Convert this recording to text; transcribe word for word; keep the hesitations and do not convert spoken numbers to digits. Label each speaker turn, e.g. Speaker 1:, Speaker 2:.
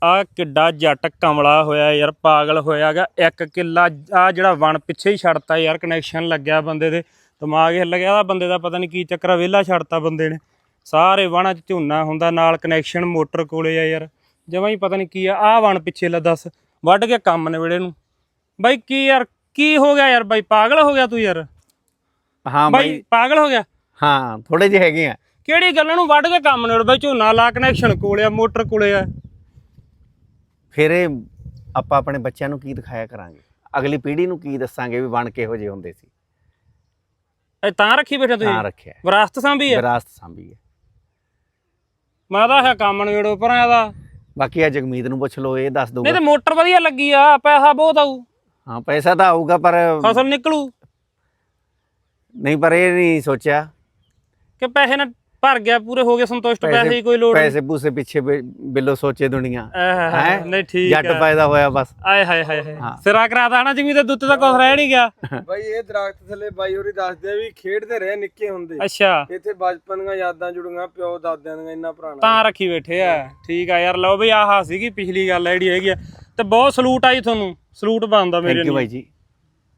Speaker 1: ਆ ਕਿੱਡਾ ਜੱਟ ਕਮਲਾ ਹੋਇਆ ਯਾਰ, ਪਾਗਲ ਹੋਇਆਗਾ। ਇੱਕ ਕਿੱਲਾ ਆ ਜਿਹੜਾ ਵਣ ਪਿੱਛੇ ਹੀ ਛੱਡਤਾ ਯਾਰ, ਕਨੈਕਸ਼ਨ ਲੱਗਿਆ ਬੰਦੇ ਦੇ, ਦਿਮਾਗ ਹਿੱਲ ਗਿਆ ਬੰਦੇ ਦਾ, ਪਤਾ ਨਹੀਂ ਕੀ ਚੱਕਰ ਆ, ਵਿਹਲਾ ਛੱਡਤਾ ਬੰਦੇ ਨੇ। ਸਾਰੇ ਵਣਾਂ 'ਚ ਝੋਨਾ ਹੁੰਦਾ, ਨਾਲ ਕਨੈਕਸ਼ਨ ਮੋਟਰ ਕੋਲੇ ਆ ਯਾਰ, ਜਮਾਂ ਹੀ ਪਤਾ ਨਹੀਂ ਕੀ ਆ। ਆਹ ਵਣ ਪਿੱਛੇ ਲੈ ਦੱਸ, ਵੱਢ ਕੇ ਕੰਮ ਨੇੜੇ ਨੂੰ ਬਾਈ। ਕੀ ਯਾਰ ਕੀ ਹੋ ਗਿਆ ਯਾਰ ਬਾਈ, ਪਾਗਲ ਹੋ ਗਿਆ ਤੂੰ ਯਾਰ?
Speaker 2: ਹਾਂ
Speaker 1: ਬਾਈ ਪਾਗਲ ਹੋ ਗਿਆ?
Speaker 2: ਹਾਂ ਥੋੜੇ ਜਿਹੇ ਹੈਗੇ ਆ।
Speaker 1: ਕਿਹੜੀ ਗੱਲਾਂ ਨੂੰ ਵੱਢ ਕੇ ਕੰਮ ਨੇੜੇ ਬਾਈ? ਝੋਨਾ ਲਾ, ਕਨੈਕਸ਼ਨ ਕੋਲੇ ਆ, ਮੋਟਰ ਕੋਲੇ ਆ।
Speaker 2: ਫਿਰ ਇਹ ਆਪਾਂ ਆਪਣੇ ਬੱਚਿਆਂ ਨੂੰ ਕੀ ਦਿਖਾਇਆ ਕਰਾਂਗੇ, ਅਗਲੀ ਪੀੜ੍ਹੀ ਨੂੰ ਕੀ ਦੱਸਾਂਗੇ ਵੀ ਵਣ ਕਿਹੋ ਜਿਹੇ ਹੁੰਦੇ ਸੀ?
Speaker 1: ਇਹ ਤਾਂ ਰੱਖੀ ਬੈਠਾ ਤੁਸੀਂ?
Speaker 2: ਤਾਂ ਰੱਖਿਆ,
Speaker 1: ਵਿਰਾਸਤ ਸਾਂਭੀ ਹੈ।
Speaker 2: ਵਿਰਾਸਤ ਸਾਂਭੀ ਹੈ।
Speaker 1: ਮੈਂ ਤਾਂ ਹੈ ਕੰਮ ਨੇੜੋ ਪਰ ਇਹਦਾ।
Speaker 2: ਬਾਕੀ ਆ ਜਗਮੀਤ ਨੂੰ ਪੁੱਛ ਲਓ, ਇਹ ਦੱਸ ਦਊਗਾ।
Speaker 1: ਨਹੀਂ ਤੇ ਮੋਟਰ ਵਧੀਆ ਲੱਗੀ ਆ, ਪੈਸਾ ਬਹੁਤ ਆਊ।
Speaker 2: ਹਾਂ ਪੈਸਾ ਤਾਂ ਆਊਗਾ ਪਰ
Speaker 1: ਫਸਲ ਨਿਕਲੂ
Speaker 2: ਨਹੀਂ, ਪਰ ਇਹ ਨਹੀਂ ਸੋਚਿਆ
Speaker 1: ਕਿ ਪੈਸੇ ਨਾਲ ਭਰ ਗਿਆ, ਪੂਰੇ ਹੋ ਗਏ, ਸੰਤੁਸ਼ਟ, ਪੈਸੇ ਦੀ ਕੋਈ ਲੋੜ ਨਹੀਂ।
Speaker 2: ਪੈਸੇ ਪੂਸੇ ਪਿੱਛੇ ਬਿੱਲੋ ਸੋਚੇ ਦੁਨੀਆ
Speaker 1: ਹੈ। ਨਹੀਂ ਠੀਕ
Speaker 2: ਜੱਟ ਪੈਦਾ ਹੋਇਆ ਬਸ।
Speaker 1: ਆਏ ਹਾਏ ਹਾਏ ਹਾਏ, ਸਿਰਾ ਕਰਾਤਾ ਨਾ ਜਿਵੇਂ ਤੇ ਦੁੱਤ ਤਾਂ ਕੁਛ ਰਹਿ ਨਹੀਂ ਗਿਆ
Speaker 3: ਬਾਈ। ਇਹ ਦਰਖਤ ਥੱਲੇ ਬਾਈ ਹੋਰੀ ਦੱਸਦੇ ਆ ਵੀ ਖੇਡਦੇ ਰਹੇ ਨਿੱਕੇ ਹੁੰਦੇ।
Speaker 1: ਅੱਛਾ,
Speaker 3: ਇੱਥੇ ਬਚਪਨ ਦੀਆਂ ਯਾਦਾਂ ਜੁੜੀਆਂ, ਪਿਓ ਦਾਦਿਆਂ ਦੀਆਂ, ਇੰਨਾ ਪੁਰਾਣਾ
Speaker 1: ਤਾਂ ਰੱਖੀ ਬੈਠੇ ਆ। ਠੀਕ ਆ ਯਾਰ, ਲਓ ਬਈ ਆਹ ਸੀਗੀ ਪਿਛਲੀ ਗੱਲ ਜਿਹੜੀ ਹੈਗੀ ਆ, ਤੇ ਬਹੁਤ ਸਲੂਟ ਆਈ ਤੁਹਾਨੂੰ, ਸਲੂਟ ਬਣਦਾ ਮੇਰੇ
Speaker 2: ਥੈਂਕ ਯੂ
Speaker 1: ਨੂੰ।
Speaker 2: ਬਾਈ ਜੀ।